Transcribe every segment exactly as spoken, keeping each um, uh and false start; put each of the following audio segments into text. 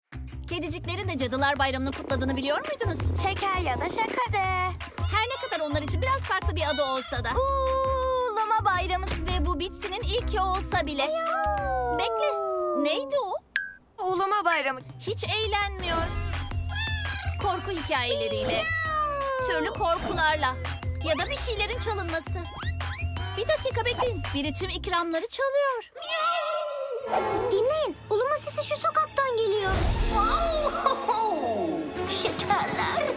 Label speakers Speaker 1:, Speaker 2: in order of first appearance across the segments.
Speaker 1: Kediciklerin de Cadılar Bayramı'nı kutladığını biliyor muydunuz?
Speaker 2: Şeker ya da şakade.
Speaker 1: Her ne kadar onlar için biraz farklı bir adı olsa da.
Speaker 2: Uluma bayramı.
Speaker 1: Ve bu Bitsy'nin ilki olsa bile. Bekle, neydi o?
Speaker 3: Uluma bayramı.
Speaker 1: Hiç eğlenmiyor. Korku hikayeleriyle, türlü korkularla ya da bir şeylerin çalınması. Bir dakika bekleyin, biri tüm ikramları çalıyor.
Speaker 2: Dinleyin, uluma sesi şu sokaktan geliyor.
Speaker 4: Şekerler.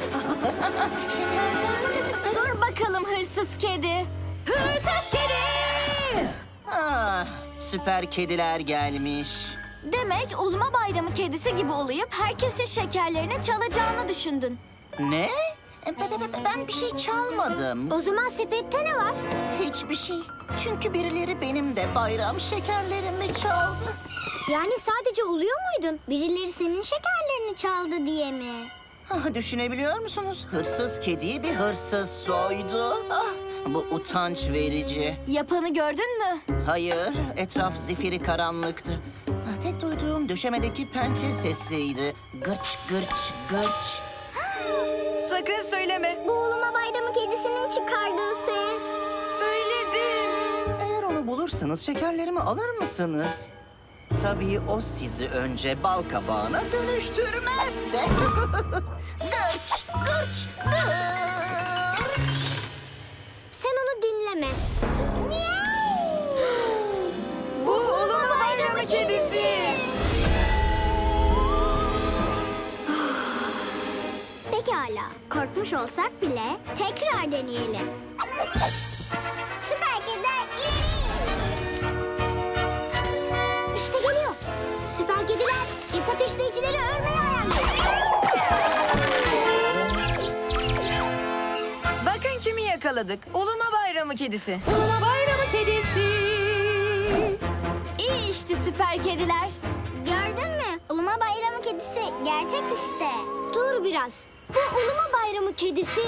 Speaker 2: Dur bakalım hırsız kedi.
Speaker 1: Hırsız kedi!
Speaker 4: Ah, süper kediler gelmiş.
Speaker 2: Demek uluma bayramı kedisi gibi olayıp herkesin şekerlerini çalacağını düşündün.
Speaker 4: Ne? E, be- be- be- Ben bir şey çalmadım.
Speaker 2: O zaman sepette ne var?
Speaker 4: Hiçbir şey. Çünkü birileri benim de bayram şekerlerimi çaldı.
Speaker 2: Yani sadece uluyor muydun? Birileri senin şekerlerini çaldı diye mi?
Speaker 4: Ah, düşünebiliyor musunuz? Hırsız kediyi bir hırsız soydu. Ah, bu utanç verici.
Speaker 2: Yapanı gördün mü?
Speaker 4: Hayır, etraf zifiri karanlıktı. Ah, tek duyduğum döşemedeki pençe sesiydi. Gırç gırç gırç.
Speaker 3: Sakın söyleme.
Speaker 2: Bu uluma bayramı kedisinin çıkardığı ses.
Speaker 3: Söyledin.
Speaker 4: Eğer onu bulursanız şekerlerimi alır mısınız? Tabii o sizi önce bal kabağına dönüştürmezse. Gırç, gırç, gırç.
Speaker 2: Sen onu dinleme.
Speaker 3: Bu uluma bayramı kedisi.
Speaker 2: Pekala, korkmuş olsak bile tekrar deneyelim. Süper kediler ileri! İşte geliyor. Süper kediler ip ateşleyicileri örmeye ayarlıyor.
Speaker 3: Bakın kimi yakaladık. Uluma bayramı kedisi. Uluma bayramı kedisi.
Speaker 2: İyi işte süper kediler. Gördün mü? Uluma bayramı kedisi gerçek işte. Dur biraz. Bu uluma bayramı kedisi...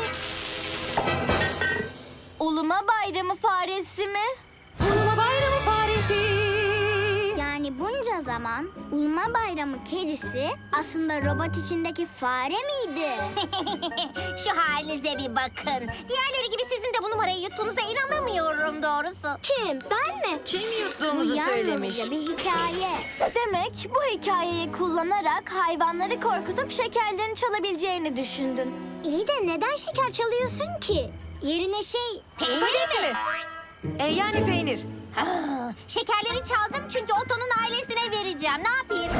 Speaker 2: Uluma bayramı faresi mi?
Speaker 3: Uluma bayramı faresi.
Speaker 2: Yani bunca zaman uluma bayramı kedisi aslında robot içindeki fare miydi?
Speaker 5: Şu halinize bir bakın. Diğerleri gibi sizin de bu numarayı yuttuğunuza inanamıyorum doğrusu.
Speaker 2: Kim? Ben mi?
Speaker 3: Kim
Speaker 2: Bu
Speaker 3: yuttuğumuzu söylemiş.
Speaker 2: yalnızca bir hikaye. Demek bu hikayeyi kullanarak hayvanları korkutup şekerlerini çalabileceğini düşündün. İyi de neden şeker çalıyorsun ki? Yerine şey...
Speaker 3: Spagetti mi? E, yani peynir.
Speaker 5: Ha, şekerleri çaldım çünkü Otto'nun ailesine vereceğim. Ne yapayım?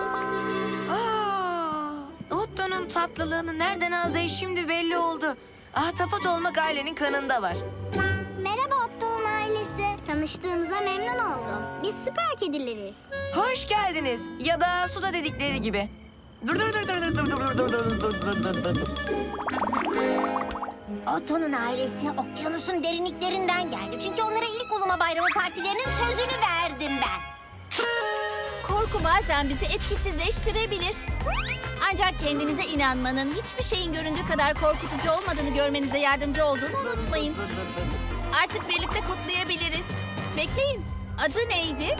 Speaker 3: Aa, Otto'nun tatlılığını nereden aldığı şimdi belli oldu. Ahtapot olmak ailenin kanında var.
Speaker 2: Merhaba Otto'nun ailesi. Tanıştığımıza memnun oldum. Biz süper kedileriz.
Speaker 3: Hoş geldiniz. Ya da suda dedikleri gibi.
Speaker 5: Otto'nun ailesi okyanusun derinliklerinden geldi. Çünkü onlara ilk uluma bayramı partilerinin sözünü verdim ben.
Speaker 1: Korku bazen bizi etkisizleştirebilir. Ancak kendinize inanmanın hiçbir şeyin göründüğü kadar korkutucu olmadığını görmenize yardımcı olduğunu unutmayın. Artık birlikte kutlayabiliriz. Bekleyin. Adı neydi?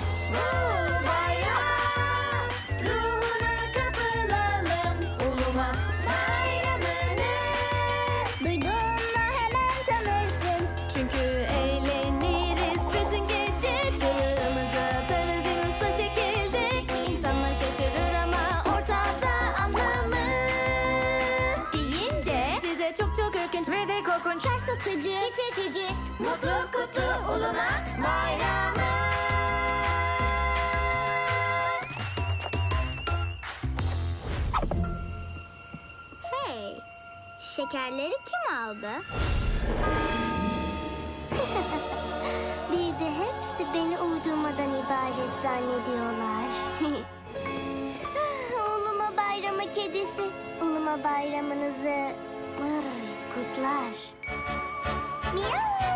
Speaker 2: Duyduğunda hemen tanırsın.
Speaker 1: Çünkü eğleniriz bütün gece. Çığlığımızı atarız en usta şekilde. İnsanlar şaşırır ama ortada anlamı deyince bize çok çok ürkünç ve de korkunç.
Speaker 2: Sarsıtıcı, titetici,
Speaker 1: Mutlu kutlu uluma bayramı.
Speaker 2: Hey, şekerleri kim aldı? Bir de hepsi beni uydurmadan ibaret zannediyorlar. Uluma bayramı kedisi, uluma bayramınızı mır, kutlar. Miyav.